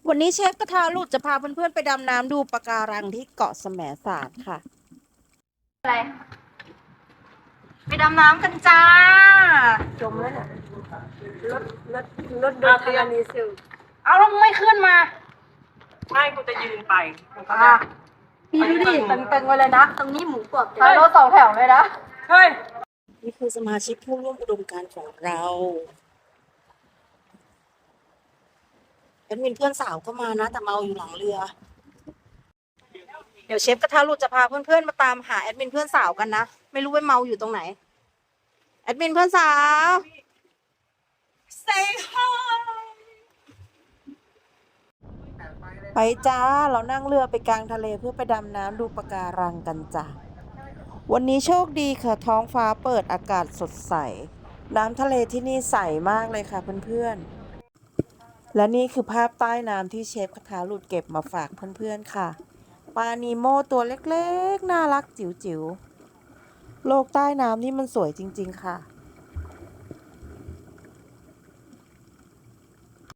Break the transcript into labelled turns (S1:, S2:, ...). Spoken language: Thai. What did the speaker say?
S1: วันนี้เชฟกระทะหลุดจะพาเพื่อนๆไปดำน้ำดูปะการังที่เกาะแสมสารค่ะ
S2: อะไรไปดำน้ำกันจ้าจมแล้วเนี่ยรถรถรถโดนธรณีสูบเอาแล้วไม่ขึ้นมา
S3: ไม่กูจะยืนไป
S2: พี่ดูดิตึงๆไว้เลยนะตรงนี้หมูกรอบรถสองแถวเลยนะ
S3: เฮ้ย
S1: นี่คือสมาชิกผู้ร่วมอุดมการณ์ของเราแอดมินเพื่อนสาวก็มานะแต่เมาอยู่หลังเรือเดี๋ยวเชฟกระทะหลุดจะพาเพื่อนๆมาตามหาแอดมินเพื่อนสาวกันนะไม่รู้ว่าเมาอยู่ตรงไหนแอดมินเพื่อนสาว
S3: say hi
S1: ไปจ้าเรานั่งเรือไปกลางทะเลเพื่อไปดำน้ำดูปะการังกันจ้ะวันนี้โชคดีค่ะท้องฟ้าเปิดอากาศสดใสน้ำทะเลที่นี่ใสมากเลยค่ะเพื่อนๆและนี่คือภาพใต้น้ำที่เชฟกระทะหลุดเก็บมาฝากเพื่อนๆค่ะปลานีโมตัวเล็กๆน่ารักจิ๋วๆโลกใต้น้ำนี่มันสวยจริงๆค่ะ